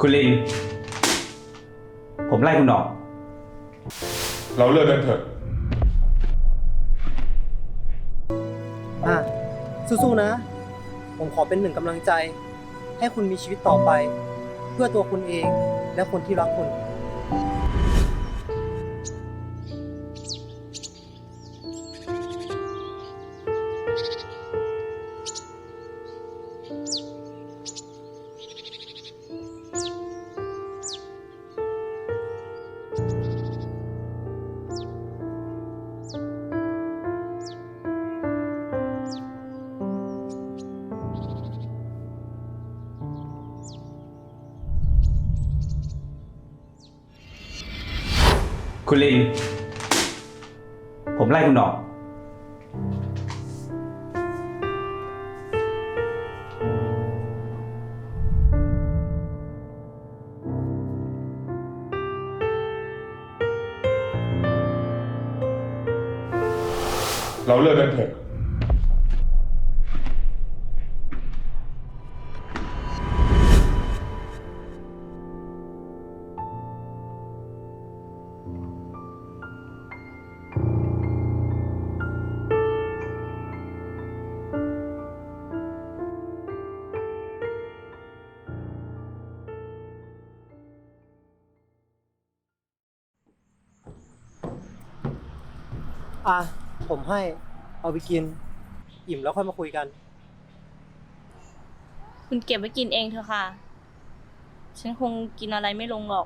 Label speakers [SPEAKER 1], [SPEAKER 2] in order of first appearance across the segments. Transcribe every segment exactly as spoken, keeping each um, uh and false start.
[SPEAKER 1] คุณลิน ผมไล่คุณออก
[SPEAKER 2] เราเลิกกันเถอะ
[SPEAKER 3] อ่ะสู้ๆนะ ผมขอเป็นหนึ่งกำลังใจ ให้คุณมีชีวิตต่อไป เพื่อตัวคุณเองและคนที่รักคุณ
[SPEAKER 1] คุณลิน ผมไล่คุณออก
[SPEAKER 2] เราเลิกกันเถอะ
[SPEAKER 3] อ่ะ ผมให้ เอาไปกิน อิ่มแล้วค่อยมาคุยกัน
[SPEAKER 4] คุณเก็บไว้กินเองเถอะค่ะ ฉันคงกินอะไรไม่ลงหรอก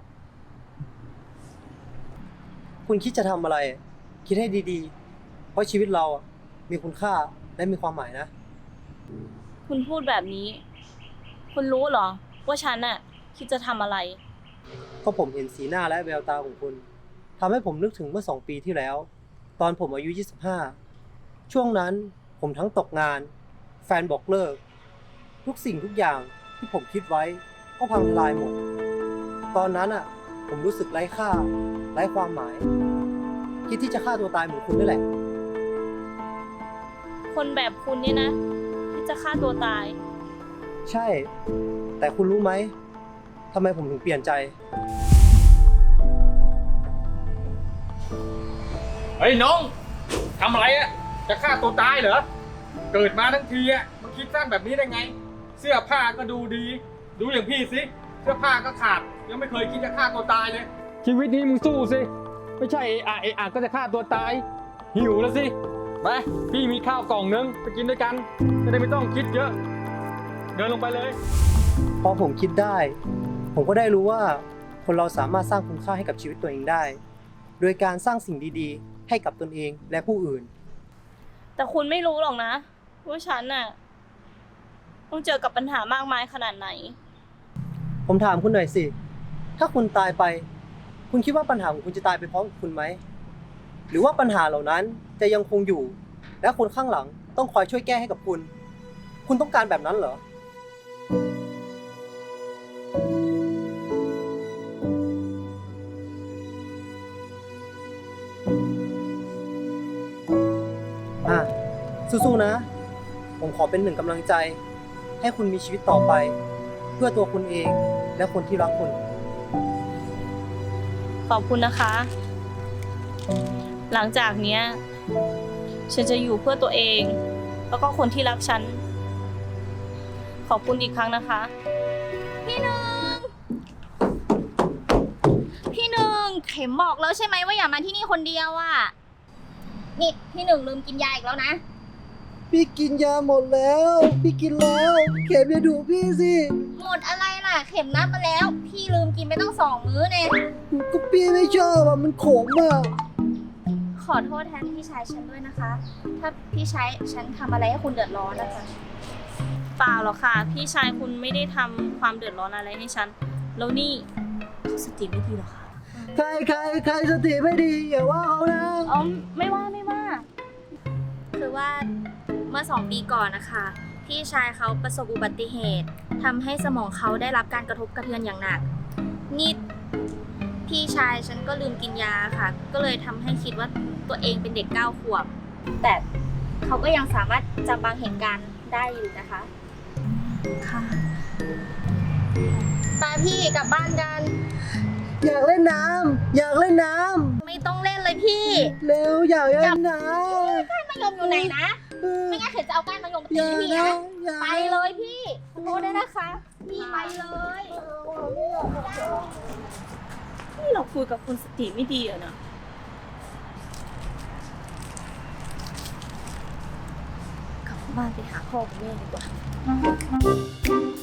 [SPEAKER 3] คุณคิดจะทำอะไร คิดให้ดีๆ เพราะชีวิตเราอ่ะมีคุณค่าและมีความหมายนะ
[SPEAKER 4] คุณพูดแบบนี้ คุณรู้เหรอ ว่าฉันน่ะคิดจะทำอะไร
[SPEAKER 3] ก็ผมเห็นสีหน้าและแววตาของคุณทำให้ผมนึกถึงเมื่อสองปีที่แล้ว ตอนผมอายุยี่สิบห้าช่วงนั้นผมทั้งตกงาน แฟนบอกเลิก ทุกสิ่งทุกอย่างที่ผมคิดไว้ก็พังทลายหมด ตอนนั้นอ่ะ ผมรู้สึกไร้ค่า ไร้ความหมาย คิดที่จะฆ่าตัวตายเหมือนคุณนี่แหละ
[SPEAKER 4] คนแบบคุณเนี่ยนะที่จะฆ่าตัวตาย
[SPEAKER 3] ใช่ แต่คุณรู้ไหมทำไมผมถึงเปลี่ยนใจ
[SPEAKER 5] เฮ้ยน้องทำอะไรอะจะฆ่าตัวตายเหรอเกิดมาทั้งทีอะมันคิดสั้นแบบนี้ได้ไง เสื้อผ้าก็ดูดี ดูอย่างพี่สิเสื้อผ้าก็ขาดยังไม่เคยคิดจะฆ่าตัวตายเลย ชีวิตนี้มึงสู้สิไม่ใช่เอะอะเอะอะก็จะฆ่าตัวตาย หิวแล้วสิไปพี่มีข้าวกล่องนึงไปกินด้วยกันจะได้ไม่ต้องคิดเยอะ เดินลงไปเลย
[SPEAKER 3] พอผมคิดได้ ผมก็ได้รู้ว่าคนเราสามารถสร้างคุณค่าให้กับชีวิตตัวเองได้ โดยการสร้างสิ่งดีๆ ให้กับตนเองและผู้อื่น
[SPEAKER 4] แต่คุณไม่รู้หรอกนะว่าฉันน่ะต้องเจอกับปัญหามากมายขนาดไหน
[SPEAKER 3] ผมถามคุณหน่อยสิ ถ้าคุณตายไป คุณคิดว่าปัญหาของคุณจะตายไปพร้อมกับคุณไหม หรือว่าปัญหาเหล่านั้นจะยังคงอยู่ และคนข้างหลังต้องคอยช่วยแก้ให้กับคุณ คุณต้องการแบบนั้นเหรอ อ่ะ สู้ๆนะ ผมขอเป็นหนึ่งกำลังใจ ให้คุณมีชีวิตต่อไป เพื่อตัวคุณเองและคนที่รักคุณ
[SPEAKER 4] ขอบคุณนะคะ หลังจากเนี้ย ฉันจะอยู่เพื่อตัวเอง แล้วก็คนที่รักฉัน ขอบคุณอีกครั้งนะคะ
[SPEAKER 6] พี่หนึ่ง พี่หนึ่งเข็มบอกแล้วใช่ไหมว่าอย่ามาที่นี่คนเดียวอ่ะ นี่พี่หนึ่งลืมกินยาอีกแล้วนะ
[SPEAKER 3] พี่กินยาหมดแล้ว พี่กินแล้ว เข็มอย่าดูพี่สิ
[SPEAKER 6] หมดอะไรล่ะ เข็มนับมาแล้ว พี่ลืมกินไปตั้งสองมื้อเนี่ย
[SPEAKER 3] ก็พี่ไม่ชอบอะมันขมอะ
[SPEAKER 6] ขอโทษแทนพี่ชายฉันด้วยนะคะ ถ้าพี่ชายฉันทำอะไรให้คุณเดือดร้อนนะคะ
[SPEAKER 4] เปล่าหรอกค่ะ พี่ชายคุณไม่ได้ทำความเดือดร้อนอะไรให้ฉัน แล้วนี่เขาสติไม่ดีหรอคะ
[SPEAKER 3] ใครใครใครสติไม่ดีอย่าว่าเขานะ
[SPEAKER 4] อ๋อไม่ว่าไม่ว่า
[SPEAKER 6] คือว่าเมื่อสองปีก่อนนะคะพี่ชายเขาประสบอุบัติเหตุทำให้สมองเขาได้รับการกระทบกระเทือนอย่างหนักนี่พี่ชายฉันก็ลืมกินยาค่ะ ก็เลยทำให้คิดว่าตัวเองเป็นเด็กเก้าขวบ แต่เขาก็ยังสามารถจำบางเหตุการณ์ได้อยู่นะคะ
[SPEAKER 4] ค่ะ
[SPEAKER 6] ไปพี่กลับบ้านกัน
[SPEAKER 3] อยากเล่นน้ำอยากเล่นน้
[SPEAKER 6] ไม่ต้องเล่นเลยพี่
[SPEAKER 3] ำเร็วอยากเล่นน้
[SPEAKER 6] ก้านมะยมอยู่ไหนนะ
[SPEAKER 3] ำ
[SPEAKER 6] ไม่งั้นเดี๋ยวจะเอาก้านมะยมมา
[SPEAKER 3] อ
[SPEAKER 6] ตี
[SPEAKER 3] ย่า
[SPEAKER 6] พี่
[SPEAKER 3] นะ
[SPEAKER 6] นะ
[SPEAKER 3] อย่า
[SPEAKER 6] ไปเลยพี่ขอโทษด้วยนะคะ พี่ไปเลย
[SPEAKER 4] นี่เราคุยกับคนสติไม่ดีอะนะ กลับบ้านไปหาพ่อกับแม่ดีกว่า